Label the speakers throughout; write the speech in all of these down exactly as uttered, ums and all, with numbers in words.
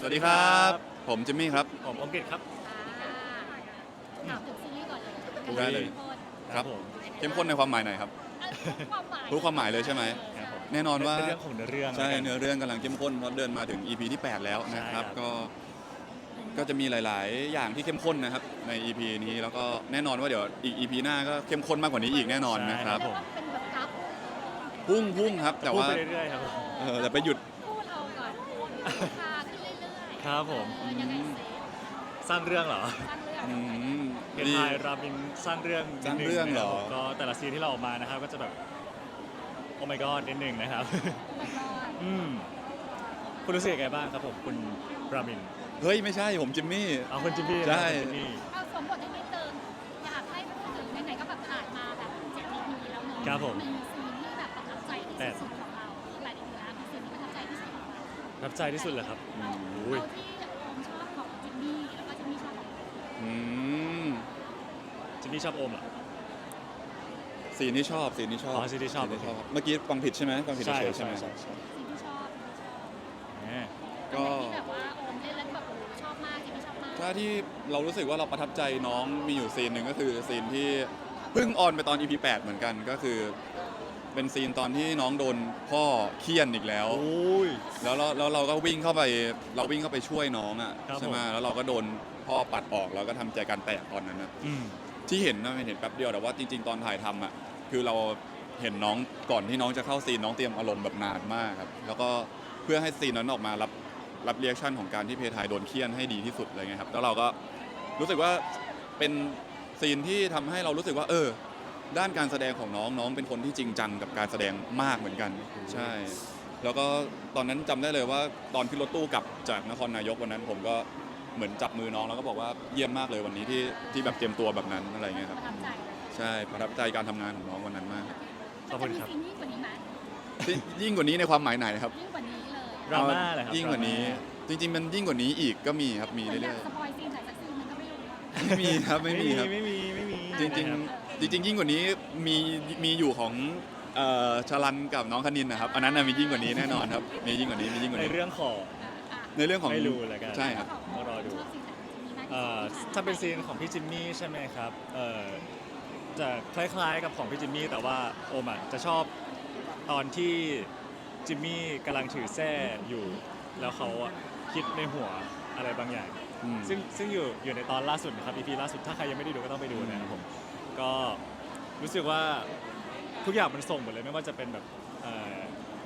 Speaker 1: วัสดีครับผมจิมมี่ครับ
Speaker 2: ผมอมกิตครับ
Speaker 3: ถามถึงซีรีส์ก่อนเลย
Speaker 1: ได้เลยครับเข้มข้นในความหมายไหนครับ
Speaker 3: ความหมาย
Speaker 1: รู้ความหมายเลยใช่ไหม
Speaker 2: ครับผม
Speaker 1: แน่นอนว่า
Speaker 2: เรื่องของเนื้อเรื่อง
Speaker 1: ใช่เนื้อเรื่องกำลังเข้มข้นเพราะเดินมาถึง อี พี ที่แปดแล้วนะครับก็ก็จะมีหลายๆ อย่างที่เข้มข้นนะครับใน อี พี นี้แล้วก็แน่นอนว่าเดี๋ยวอีก อี พี หน้าก็เข้มข้นมากกว่านี้อีกแน่นอนนะครับ
Speaker 3: เรียกว่าเป็นแบบกราฟ
Speaker 1: พุ่งพุ่งครับแต่ว่า
Speaker 2: พูดไปเรื่อยๆครับผม
Speaker 1: เออแต่ไปหยุด
Speaker 3: พูดเอาก่อนราคาขึ้นเรื่อยๆ
Speaker 2: ครับผม
Speaker 3: เออยังไงเซฟ
Speaker 2: สร้างเรื่องเหรอ
Speaker 3: สร้างเรื่อง
Speaker 1: อืม
Speaker 2: เพน
Speaker 1: ดี
Speaker 2: ไทยรามินสร้างเรื่อง
Speaker 1: สร้างเรื่องเหรอ
Speaker 2: นิดนึงนะครับผมก็แต่ละซีนที่เราออกมานะครับก็จะแบบโอ้ my god นิดนึงนะครับ
Speaker 3: มันก็
Speaker 2: อืมคุณรู้สึกยังไงบ้างครับผมคุณรามิน
Speaker 1: เฮ้ยไม่ใช่ผมจิมมี่
Speaker 2: เอาคุณจิมมี่นะ
Speaker 1: ใช่
Speaker 2: คุณจิมมี่
Speaker 3: เอาสวมบทให้นิดนึงอยากให้พูดถึงไหนๆก็แบบถ่ายมาแบบเจ็ด อี พีแล้วเนอะ
Speaker 2: ครับผม
Speaker 3: มีซีนที่แบบประทับใจที่สุดของเราหลายๆอย่างมีซีนที่ประทับใจที่สุดของเรา
Speaker 2: ประทับใจที่สุดเลยครับ
Speaker 1: อืม
Speaker 2: อุ้ย
Speaker 3: เอาที่โอมชอบของจิมมี่แล้วก็จิมมี่ชอบของโอม
Speaker 1: อืม
Speaker 2: จิมมี่ชอบโอมเหรอ
Speaker 1: สีนี้ชอบสีนี้ชอบ
Speaker 2: อ๋อซีนที่ชอบ
Speaker 1: สีเมื่อกี้ฟังผิดใช่ไหมฟังผิด
Speaker 2: ใช่
Speaker 1: เฉยๆใช่
Speaker 2: ใช่
Speaker 1: ไหม
Speaker 2: ใช่ใช่
Speaker 3: ซีนที่ชอบที่ชอบ
Speaker 2: แหม
Speaker 1: ก็
Speaker 3: ที่แบบว่าโอมเล่นแล้วแบบโอ้โหชอบมากจิมมี่ชอบมาก
Speaker 1: ถ้าที่เรารู้สึกว่าเราประทับใจน้องมีอยู่ซีนหนึ่งก็คือซีนที่เพิ่งออนไปตอน อี พี แปดเหมือนกันก็คือเป็นซีนตอนที่น้องโดนพ่อเคี่ยนอีกแล้ว
Speaker 2: โอ้ย
Speaker 1: แล้วเราแล้วเราก็วิ่งเข้าไปเราวิ่งเข้าไปช่วยน้องอ่ะ
Speaker 2: ครับ
Speaker 1: ใช่ไหม
Speaker 2: ผม
Speaker 1: แล้วเราก็โดนพ่อปัดออกแล้วก็ทำใจการแตกตอนนั้นนะ
Speaker 2: อืม
Speaker 1: ที่เห็นนะเห็นแป๊บเดียวแต่ว่าจริง ๆ ตอนถ่ายทำอ่ะคือเราเห็นน้องก่อนที่น้องจะเข้าซีนน้องเตรียมอารมณ์แบบนานมากครับแล้วก็เพื่อให้ซีนนั้นออกมารับรับเรีแอคชั่นของการที่เพทายโดนเคี่ยนให้ดีที่สุดอะไรเงี้ยครับแล้วเราก็รู้สึกว่าเป็นซีนที่ทำให้เรารู้สึกว่าเออด้านการแสดงของน้องน้องเป็นคนที่จริงจังกับการแสดงมากเหมือนกันใช่ แล้วก็ตอนนั้นจำได้เลยว่าตอนขึ้นรถตู้กลับจากนครนายกวันนั้นผมก็เหมือนจับมือน้องแล้วก็บอกว่าเยี่ยมมากเลยวันนี้ที่ที่แบบเตรียมตัวแบบนั้นอะไรเงี้ยครับ
Speaker 3: ประทับใจ
Speaker 1: ใช่ประทับใจการทำงานของน้องวันนั้นมาก
Speaker 2: ขอบคุณครับ
Speaker 3: มันจะมีซีนยิ่งกว่านี้ไหม
Speaker 1: ที่ยิ่งกว่านี้ในความหมายไหนครับ
Speaker 3: ยิ่งกว่านี้เลย
Speaker 2: ดราม่าเหรอครับ
Speaker 1: ยิ่งกว่านี้
Speaker 2: ดราม่
Speaker 1: จริง ๆ มันยิ่งกว่านี้อีกก็มีครับมี
Speaker 3: เหมือนอ
Speaker 1: เรื่
Speaker 3: ยา
Speaker 1: อก ย
Speaker 3: สปอยซีนไหนสักซีนมันก็ไม่รู้อะ
Speaker 1: ๆไม่มีครับไม่มีครับ
Speaker 2: ไม่มีไม่มี
Speaker 1: จริง
Speaker 2: นะครับ
Speaker 1: ๆ จริง ๆ ยิ่งกว่านี้มีมีอยู่ของเอ่อชลันกับน้องคณินนะครับอันนั้นน่ะมียิ่งกว่านี้แน่นอนครับมียิ่งกว่านี้มียิ่งกว่า
Speaker 2: ใน
Speaker 1: นี้
Speaker 2: เรื่องของ
Speaker 3: อ่ะ
Speaker 1: ในเรื่องของ
Speaker 2: ไม่รู้แล้วกัน
Speaker 1: ใช่ครับ
Speaker 2: ต้องรอดู
Speaker 3: ชอบซีนไหนมีมากที่สุด
Speaker 2: เอ่อถ้าเป็นซีนของพี่จิมมี่ใช่ไหมครับเอ่อจะคล้ายๆกับของพี่จิมมี่แต่ว่าโอมอ่ะจะชอบตอนที่จิมมี่กำลังถือแส้อยู่ แล้วเขาอะคิดในหัวอะไรบางอย่าง
Speaker 1: อืม
Speaker 2: ซึ่งซึ่งอยู่อยู่ในตอนล่าสุดนะครับ อี พี ล่าสุดถ้าใครยังไม่ได้ดูก็ต้องไปดูนะครับผมก็รู้สึกว่าทุกอย่างมันส่งหมดเลยไม่ว่าจะเป็นแบบเอ่อ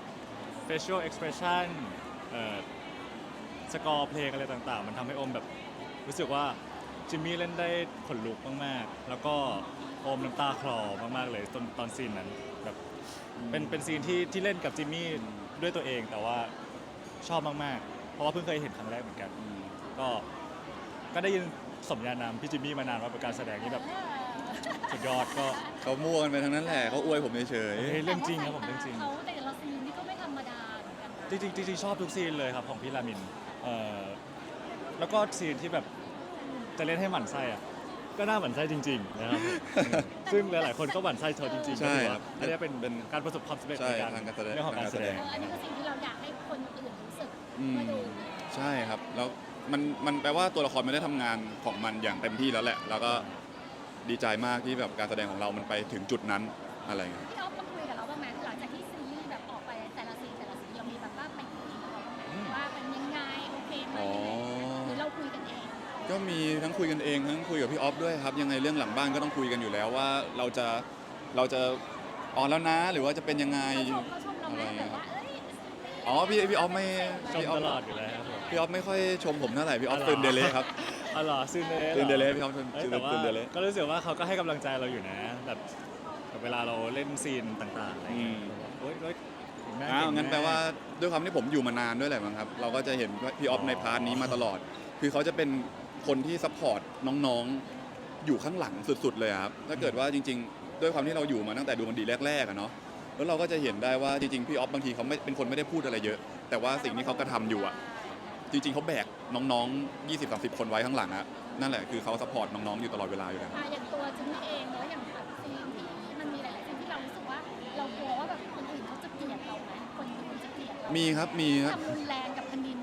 Speaker 2: facial expression เอ่อสกอร์เพลงอะไรต่างๆ มันทำให้โอมแบบรู้สึกว่าจิมมี่เล่นได้ขนลุกมากๆ แล้วก็โอมน้ำตาคลอมากๆเลยตอนตอนซีนนั้นแบบเป็นเป็นซีนที่ที่เล่นกับจิมมี่ด้วยตัวเองแต่ว่าชอบมากๆ เพราะว่าเพิ่งเคยเห็นครั้งแรกเหมือนกัน
Speaker 1: อืม
Speaker 2: ก็ก็ได้ยินสมญานามพี่จิมมี่มานานว่าเป็นการแสดงที่แบบสุดยอดก็
Speaker 1: เขามั่วกันไปทั้งนั้นแหละเขาอวยผมเฉย
Speaker 2: เฮ้ยเรื่องจริงครับผมเรื่องจริง
Speaker 3: เขาแต่ละซีนนี่ก็ไม่ธรรมดาเหมือนกันนะ
Speaker 2: จริงๆจริงๆชอบทุกซีนเลยครับของพี่รามินเอ่อแล้วก็ซีนที่แบบจะเล่นให้หมั่นไส้อะก็น่าหมั่นไส้จริงๆนะครับผมซึ่งหลายๆคนก็หมั่นไส้เธอจริงๆ
Speaker 1: ใช่
Speaker 2: ก็ถือ
Speaker 1: ครั
Speaker 2: ว่า
Speaker 1: บ
Speaker 2: อันนี้เป็น
Speaker 1: เป็น
Speaker 2: การประสบความสำเร็จ
Speaker 1: ใช่
Speaker 2: ในการ
Speaker 1: ทางการแสดง
Speaker 2: เรื่องของการแสดง
Speaker 3: เอออันนี้คือสิ่งที่เราอยากให้คนอื่นรู้สึก
Speaker 1: อืม
Speaker 3: เมื่อดู
Speaker 1: ใช่ครับแล้วมันมันแปลว่าตัวละครมันได้ทำงานของมันอย่างเต็มที่แล้วแหละ แล้วก็ดีใจมากที่แบบการแสดงของเรามันไปถึงจุดนั้นอะไรเงี้ย
Speaker 3: พี่อ๊อฟมาคุยกับเราบ้างไหมหลังจากที่ซีรีส์แบบออกไปแต่ละซีนแต่ละซีนเรามีแบบว่าไปคุยกับเราบ้างไหม
Speaker 2: อืม
Speaker 3: ว่าเป็นยังไงโอเคไหม
Speaker 1: อ๋อ
Speaker 3: หรือเราคุยกันเอง
Speaker 1: ก็มีทั้งคุยกันเองทั้งคุยกับพี่ออฟด้วยครับยังไงเรื่องหลังบ้านก็ต้องคุยกันอยู่แล้วว่าเราจะเราจะออนแล้วนะหรือว่าจะเป็นยังไง
Speaker 3: เขาชมเขาชมเราไหมแบบว่าเอ้ย
Speaker 1: อ๋อพี่พี่ออฟไม่
Speaker 2: ชม
Speaker 1: พี่ออ
Speaker 2: ต
Speaker 1: ฟ
Speaker 2: ลอดอยู่แล้วครับผม
Speaker 1: พี่ออฟไม่ค่อยชมผมเท่าไหร่พี่ออฟ
Speaker 2: อ๋อเหรอ
Speaker 1: ตื่นเดเลยครับ
Speaker 2: อ๋อเหรอซึ่งเด
Speaker 1: ตื่นเด
Speaker 2: เล
Speaker 1: เลยพี่ออฟตื่น
Speaker 2: เอ้ยแต่ว่า
Speaker 1: ตื่นเดเลย
Speaker 2: ก็รู้สึกว่าเขาก็ให้กำลังใจเราอยู่นะแบบแบบเวลาเราเล่นซีนต่างๆอะไรเงี้ยโอ๊ยโอ๊ยถึงแม่
Speaker 1: อ้าว
Speaker 2: ถึ
Speaker 1: งั้น
Speaker 2: ม่
Speaker 1: แปลว่าด้วยความที่ผมอยู่มานานด้วยแหละมั้งครับเราก็จะเห็นพี่ออฟในพาร์ทนี้มาตลอด คือเขาจะเป็นคนที่ซัพพอร์ตน้องๆอยู่ข้างหลังสุดๆเลยครับถ้าเกิดว่าจริง ๆ ด้วยความที่เราอยู่มาตั้งแต่ดูมันดีแรกๆอะเนาะแล้วเราก็จะเห็นได้ว่าจริงๆพี่ออฟบางทีเขาไม่เป็นคนไม่ได้พูดอะไรเยอะ แต่ว่าสิ่งที่เขากระทำอยู่อะจริงๆเขาแบกน้องๆ ยี่สิบสามสิบ คนไว้ข้างหลังอะนั่นแหละคือเขาซัพพอร์ตน้องๆอยู่ตลอดเวลาอยู่แล้ว
Speaker 3: อ่ะอย่างตัวจิมมี่เองเนอะอย่างแบบซีนที่มันมีหลายๆซีนที่เรารู้สึกว่าเรากลัวว่าแบบคนอื่นเขาจะเกลียดเราไหมคนดูจะเกลียดเรา
Speaker 1: มีครับมีครับ
Speaker 3: ทำรุนแรงกับคณิน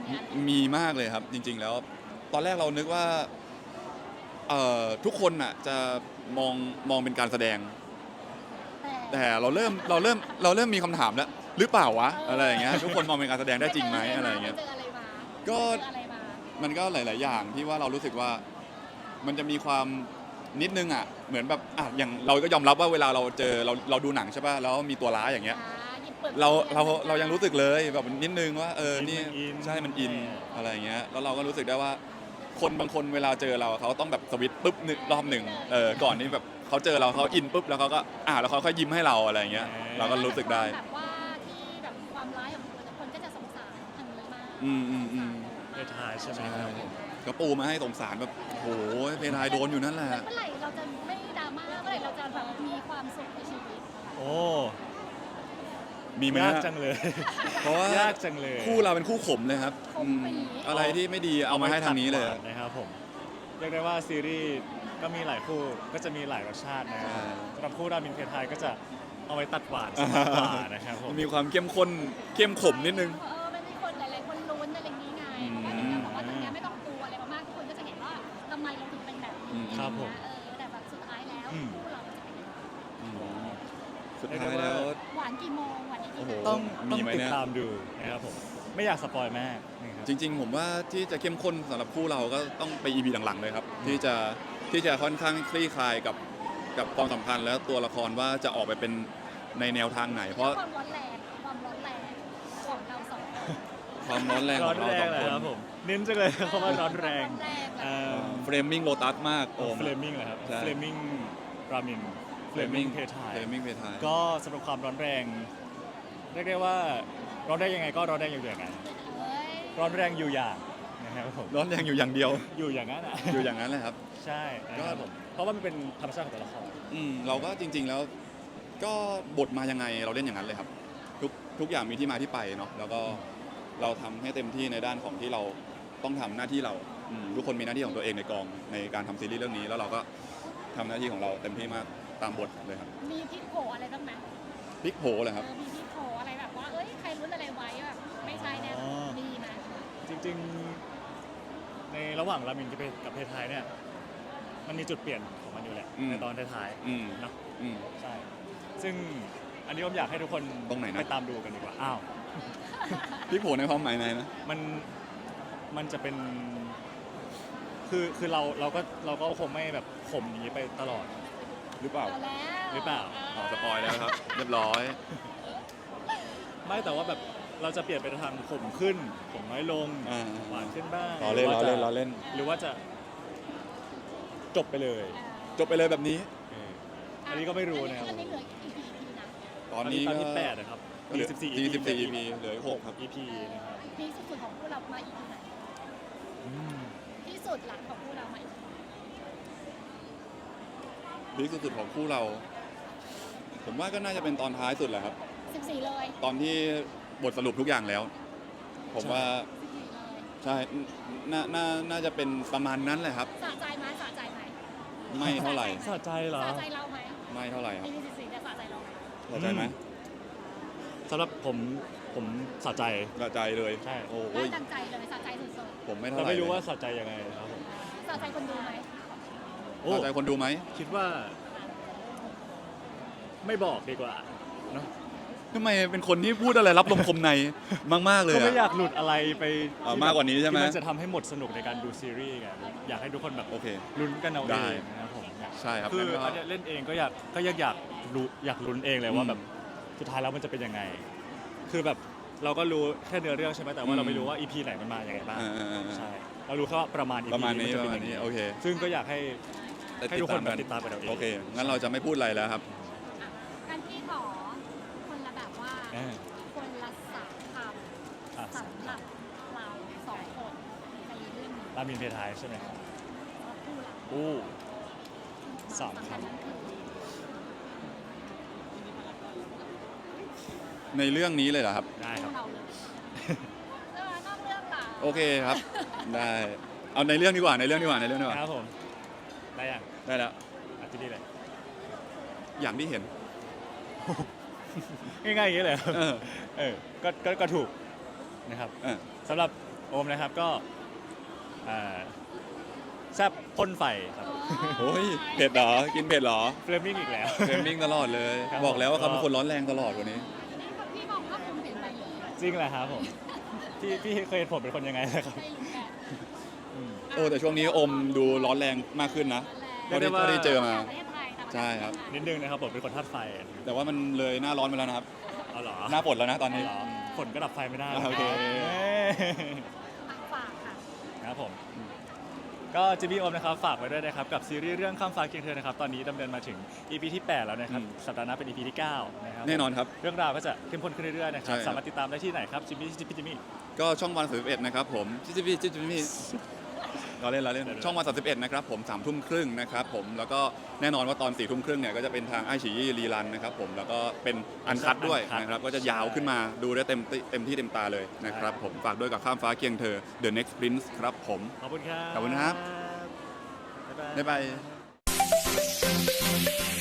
Speaker 3: มีอะไร
Speaker 1: มีมากเลยครับ จริง ๆ แล้ว ตอนแรกเรานึกว่าเอ่อทุกคนอ่ะจะมองมองเป็นการแสดง
Speaker 3: แต่
Speaker 1: แต่เราเริ่มเราเริ่มเราเริ่มมีคำถามแล้วหรือเปล่าวะอะไรอย่างเงี้ยทุกคนมองเป็นการแสดงได้จริงไหมอะไรอย่างเงี้ย
Speaker 3: ปเจออะไรมา
Speaker 1: ก็
Speaker 3: เจออะไรมา
Speaker 1: มันก็หลาย ๆ อย่างที่ว่าเรารู้สึกว่ามันจะมีความนิดนึงอ่ะเหมือนแบบอ่ะอย่างเราก็ยอมรับว่าเวลาเราเจอเราเราดูหนังใช่ป่ะแล้วมีตัวร้ายอย่างเงี้ย
Speaker 3: อ่าหยิบปิด
Speaker 1: เราเราเรายังรู้สึกเลยแบบนิดนึงว่าเออนี่
Speaker 2: มันอิน
Speaker 1: ใช่มันอิน
Speaker 2: ใช่
Speaker 1: อะไรอย่างเงี้ยแล้วเราก็รู้สึกได้ว่า คนบางคนเวลาเจอเราเขาต้องแบบสวิตช์ปุ๊บหนึ่งรอบหนึ่งเออก่อนนี้แบบเขาเจอเราเขาอินปุ๊บแล้วเขาก็อ่าแล้วเขาค่อยยิ้มให้เราอะไรอย่างเงี้ยเราก็รู้สึกได้
Speaker 3: แบบว่าที่แบบความร้ายของคนคนก็จะสงสารทางนี้มาก
Speaker 1: อืมอืมอืม
Speaker 2: เพทายใช่ไหม
Speaker 1: ใช่
Speaker 2: ครับผม
Speaker 1: ก็ปูมาให้สงสารแบบโอ้โหเพทายโดนอยู่นั่นแหละ
Speaker 3: เมื่อไหร่เราจะไม่ดราม่าเมื่อไหร่เราจะแบบมีความสุขในชีวิต
Speaker 2: โอ้
Speaker 1: มีไหม
Speaker 2: ยาก
Speaker 1: ฮะ
Speaker 2: จังเลย
Speaker 1: เพราะว่าย
Speaker 2: ากจังเลย
Speaker 1: คู่เราเป็นคู่ขมเลยครับอืมอะไรที่ไม่ดีเอามาให้ทางนี้เลย
Speaker 2: ตัดหวนะครับผมเรียกได้ว่าซีรีส์ก็มีหลายคู่ก็จะมีหลายรสชาตินะครับ
Speaker 1: ใช่
Speaker 2: สำหรับคู่รามินเพทายก็จะเอาไว้ตัดหวานสักกว่านะครับผม
Speaker 1: มันมีความเข้มข้นเข้มขมนิดนึง
Speaker 3: เออมันมีคนหลายๆคนลุ้นอะไรอย่างนี้ไง
Speaker 1: อืม
Speaker 3: เพราะว่าอย่างเงี้ยบอกว่าตรงเนี้ยไม่ต้องกลัวอะไรมากๆทุกคนก็จะเห็นว่าทำไมเราถึงเป็นแบบนี้
Speaker 2: ครับผม
Speaker 3: เออแต่แบบสุดท้ายแล้ว
Speaker 2: อืม
Speaker 3: คู่เราจะเป็นยังไง
Speaker 1: อืมสุดท้ายแล้ว
Speaker 3: หวานกี่โมงหวานกี่
Speaker 1: โอ้โห
Speaker 3: โมง
Speaker 2: ต้อง
Speaker 1: มี
Speaker 2: ต้อง
Speaker 1: ไหม
Speaker 2: ติ
Speaker 1: เนี่
Speaker 2: ด
Speaker 1: ย
Speaker 2: ตามดูนะครับผมไม่อยากสปอยแม่นะครับ
Speaker 1: จริง ๆ ผมว่าที่จะเข้มข้นสำหรับคู่เราก็ต้องไป อี พี หลังๆเลยครับ ที่จะที่จะค่อนข้างคลี่คลายกับกับความสัมพันธ์แล้วตัวละครว่าจะออกไปเป็นในแนวทางไหน เพราะ
Speaker 3: ความร้อนแรงความร้อนแรงของเราสองคน
Speaker 1: ความร้อนแรง
Speaker 2: ร้
Speaker 1: ข
Speaker 2: อ
Speaker 1: อน งเรา
Speaker 2: แร
Speaker 1: ส
Speaker 2: ง
Speaker 1: อง
Speaker 2: เลย
Speaker 1: คน
Speaker 2: ครับผมเน้นจังเลยเขาว่าร้อนแรง
Speaker 3: ร้อนแรง
Speaker 2: เอ่อ
Speaker 1: เฟรมมิ่งโลตัสมากโอม
Speaker 2: เฟลมิงเหรอครับ
Speaker 1: ใช่
Speaker 2: เฟลมิงรามินเฟลมิงเพทาย
Speaker 1: เฟรมมิ่งเพทาย
Speaker 2: ก็สำหรับความร้อนแรงเรียกได้ว่าร้อนได้ยังไงก็ร้อนแรงอยู่อย่างนั้น
Speaker 3: เอ้ย
Speaker 2: ร้อนแรงอยู่อย่างนะครับผม
Speaker 1: ร้อนแรงอยู่อย่างเดียว
Speaker 2: อยู่อย่างนั้นอ่ะ
Speaker 1: อยู่อย่างนั้นเลยครับ
Speaker 2: ใช่นะครับผมเพราะว่ามันเป็นธรรมชาติของแต่ละคร
Speaker 1: อืมเราก็จริง ๆแล้วก็บทมายังไงเราเล่นอย่างนั้นเลยครับ ทุกทุกอย่างมีที่มาที่ไปเนาะแล้วก็เราทำให้เต็มที่ในด้านของที่เราต้องทำหน้าที่เราอืมทุกคนมีหน้าที่ของตัวเองในกองในการทำซีรีส์เรื่องนี้ แล้วเราก็ทำหน้าที่ของเราเต็มที่มากตามบทเลยครับ
Speaker 3: มีพลิกโผอะไรบ้างไหม
Speaker 1: พลิกโผเลยครับ
Speaker 3: เออมีพลิกโผอะไรแบบว่าเอ้ยใครรู้อะไรไว้แบบไม่ใช่แน่
Speaker 2: อ๋อ
Speaker 3: มีไหม
Speaker 2: จริงๆ ในระหว่างรามินกับเพกับเพทายเนี่ยมันมีจุดเปลี่ยนของมันอยู่แหละ
Speaker 1: อืม
Speaker 2: ในตอนท้าย
Speaker 1: อืม
Speaker 2: ๆเนอะ
Speaker 1: อืม
Speaker 2: ใช่ ซึ่งอันนี้ผมอยากให้ทุกคน
Speaker 1: ตรงไหนนะ
Speaker 2: ไปตามดูกันดีกว่าอ้าว
Speaker 1: พลิกโผในความหมายไหนนะ
Speaker 2: มันมันจะเป็นคือคือเราเราก็เราก็คงไม่แบบข่มอย่างนี้ไปตลอด
Speaker 1: หรือเปล่า
Speaker 3: เอาแล้ว
Speaker 2: หรือเปล่า
Speaker 1: อ๋อสปอยแล้วครับ เรียบร้อย
Speaker 2: ไม่แต่ว่าแบบเราจะเปลี่ยนไปทางข่มขึ้นข่มน้อยลง
Speaker 1: อ่า
Speaker 2: หวานขึ้นบ้าง
Speaker 1: ล้อเล่น
Speaker 2: ห
Speaker 1: ล้อ
Speaker 2: ว่าจะ
Speaker 1: เล่นล้อเล่น
Speaker 2: หรือว่าจะจบไปเลย
Speaker 1: จบไปเลยแบบนี้
Speaker 2: อันนี้ก็ไม่รู้นะครับ
Speaker 3: อันนี้เหลืออีกกี่ อี พี นะ
Speaker 1: ตอนนี้
Speaker 2: ตอน
Speaker 1: ก็
Speaker 2: ที่แปดนะครับ
Speaker 1: ก็เหลือ
Speaker 2: สิบสี่
Speaker 1: สี่สิบสี่ อี พี เหลืออีกหกครับ
Speaker 2: อี พีนะครับ
Speaker 3: พีคสุดๆของพวกเรามาอีกทีไหน
Speaker 2: อืม
Speaker 3: ที่สุดหลังของพวกเรามาอีก
Speaker 1: พีคสุดๆของคู่เรา ผมว่าก็น่าจะเป็นตอนท้ายสุดแหละครับ
Speaker 3: สิบสี่เลย
Speaker 1: ตอนที่บทสรุปทุกอย่างแล้ว ผมว่า
Speaker 3: สิบสี่เลย
Speaker 1: ใช่น่าน่าน่าจะเป็นประมาณนั้นแหละครับ
Speaker 3: สะใจไหมสะใจไหม
Speaker 1: ไม่เท่าไหร่
Speaker 2: สะใจเหรอ
Speaker 3: สะใจเราไหม
Speaker 1: ไม่เท่าไหร่ครับ
Speaker 3: อีพีสิบสี่จะสะใจเราไหม
Speaker 1: เข้าใจไหม
Speaker 2: สำหรับผมผมสะใจ
Speaker 1: กระจายเลย
Speaker 2: ใช่
Speaker 1: โอ้
Speaker 3: ได้
Speaker 1: ย
Speaker 3: ตั้งใจเลยสะใจสุด
Speaker 1: ผมไม่เท่า
Speaker 2: แต่
Speaker 1: ไหร่
Speaker 2: ไม่รู้ว่า
Speaker 1: เลย
Speaker 2: สะใจยังไงครับผม
Speaker 3: ๆสะใจคนดูไหม
Speaker 2: โอ้
Speaker 1: กระจายคนดูไหม
Speaker 2: คิดว่า ไม่บอกดีกว่าเนาะ
Speaker 1: ทำไมเป็นคนที่พูดอะไรรับลมคมในมากๆเลย
Speaker 2: ก็
Speaker 1: อะ
Speaker 2: ไม่อยากหลุดอะไรไป
Speaker 1: อ่า
Speaker 2: ที่
Speaker 1: มากกว่านี้ใช่ไหม
Speaker 2: ที่มันจะทำให้หมดสนุกในการดูซีรีส์ไงอยากให้ทุกคนแบบ
Speaker 1: โอเค
Speaker 2: ลุ้นกันเอา
Speaker 1: ได้
Speaker 2: เองนะครับผม
Speaker 1: ใช่ครับ
Speaker 2: คือ
Speaker 1: งั้นก็
Speaker 2: อันเนี้ยเล่นเองก็อยากก็อยากอยากรู้อยากลุ้นเองเลยว่า
Speaker 1: อืม
Speaker 2: แบบสุดท้ายแล้วมันจะเป็นยังไง คือแบบเราก็รู้แค่เนื้อเรื่องใช่ไหมแต่
Speaker 1: อื
Speaker 2: ว่าม เราไม่รู้ว่าอีพีไหนมันมาอย่างไรบ้าง
Speaker 1: อ่าอ่าอ่า
Speaker 2: ใช่เรารู้แค่ว่าประมาณอี
Speaker 1: ประ
Speaker 2: พี
Speaker 1: มาณนี้
Speaker 2: จะ
Speaker 1: ป
Speaker 2: เป็
Speaker 1: ระ
Speaker 2: น
Speaker 1: มาณ
Speaker 2: อย่าง
Speaker 1: นี้
Speaker 2: นี้
Speaker 1: โอเค
Speaker 2: ซึ่งก็อยากให้
Speaker 1: ได้
Speaker 2: ให้ทุกคนแบบติดตามกันเอาเอง
Speaker 1: โอเค งั้นเราจะไม่พูดอะไรแล้วครับ
Speaker 3: อ่ะการที่ขอคนละแบบว่า
Speaker 2: อ่า
Speaker 3: คนละสามค
Speaker 2: อ่ะ
Speaker 3: ำสำหรับเราสองคนในเรื่องนี้
Speaker 2: รามินเพทายใช่ไหมครับ
Speaker 3: สำหรับคู่เรา
Speaker 2: อู้ สามคำ
Speaker 3: สำญนั้นคือ
Speaker 1: ในเรื่องนี้เลยเหรอครับ
Speaker 2: ได้ครับ
Speaker 3: คู่เราเลยเออนอกเรื่องล่ะ
Speaker 1: โอเคครับ ได้ เอาในเรื่องดีกว่า ในเรื่องดีกว่า ในเรื่องดีกว่า
Speaker 2: ครับผมได้ยัง
Speaker 1: ได้แล้ว
Speaker 2: อาทิตย์นี้เลย
Speaker 1: อย่างที่เห็น
Speaker 2: ง่ายๆอย่างนี้เลย
Speaker 1: เออ
Speaker 2: เออก็ก็ก็ถูกนะครับ
Speaker 1: เออ
Speaker 2: สำหรับโอมนะครับก็อ่าแซ่บพ่นไฟครับ
Speaker 1: โอ้ยเผ็ดเหรอกินเผ็ดเหรอ
Speaker 2: เฟรมมิ่งอีกแล้ว
Speaker 1: เฟรมมิ่งตลอดเลย
Speaker 2: ครับ
Speaker 1: บอกแล้วว่า
Speaker 2: ผม
Speaker 1: เขาเป็นคนร้อนแรงตลอดวันนี้
Speaker 3: พี่บอกว่าผมเปลี่ยนไปเลย
Speaker 2: จริงแหละครับผมพี่พี่เคยเห็นผมเป็นคนยังไงนะครับ
Speaker 3: ไม่รู้แก
Speaker 2: อืม
Speaker 1: โอ้แต่ช่วงนี้อมดูร้อนแรงมากขึ้นนะ
Speaker 2: เรี
Speaker 1: เท่าย
Speaker 2: กได้
Speaker 1: ที่
Speaker 2: ว่า
Speaker 1: เท่าที่เจอมา
Speaker 3: ประเทศไทยต่างประเทศ
Speaker 1: ใช่ครับ
Speaker 2: นิดนึงนะครับผมเป็นคนธาตุไฟ
Speaker 1: แต่ว่ามันเลยหน้าร้อนไปแล้วนะครับ
Speaker 2: เอาเหรอ
Speaker 1: หน้าฝนแล้วนะตอนนี้
Speaker 2: เหรอฝนก็ดับไฟไม่ได้
Speaker 1: อ่าโอเค
Speaker 3: ฝากค่ะ
Speaker 2: นะครับผมก็จีบีโอมนะครับฝากไว้ด้วยนะครับกับซีรีส์เรื่องข้ามฟ้าเคียงเธอนะครับตอนนี้ดำเนินมาถึง อี พี ที่แปดแล้วนะครับ
Speaker 1: อืม
Speaker 2: สัปดาห์หน้าเป็น อี พี ที่เก้านะครับ
Speaker 1: แน่นอนครับ
Speaker 2: เรื่องราวก็จะเข้มข้นขึ้นเรื่อยๆนะครับ
Speaker 1: ใช่ครับ
Speaker 2: สามารถติดตามได้ที่ไหนครับจิมมี่จิมมี่จิมมี่
Speaker 1: ก็ช่องวันสามสิบเอ็ดนะครับผมจิจิพี่จิจิพี่เราเล่นเราเล่น
Speaker 2: เดี๋ยวๆ
Speaker 1: ช่องวันสามสิบเอ็ดนะครับผมสามทุ่มครึ่งนะครับผมแล้วก็แน่นอนว่าตอนสี่ทุ่มครึ่งเนี่ยก็จะเป็นทางไอฉี่รีรันนะครับผมแล้วก็เป็นอันคัดด้วยนะครับก็จะยาวขึ้นมาดูได้เต็มที่เต็มที่เต็มตาเลยนะครับผมฝากด้วยกับข้ามฟ้าเคียงเธอ The Next Prince ครับผม
Speaker 2: ขอบคุณครับ
Speaker 1: ขอบคุณครับ
Speaker 2: บ๊ายบาย
Speaker 1: บ๊ายบาย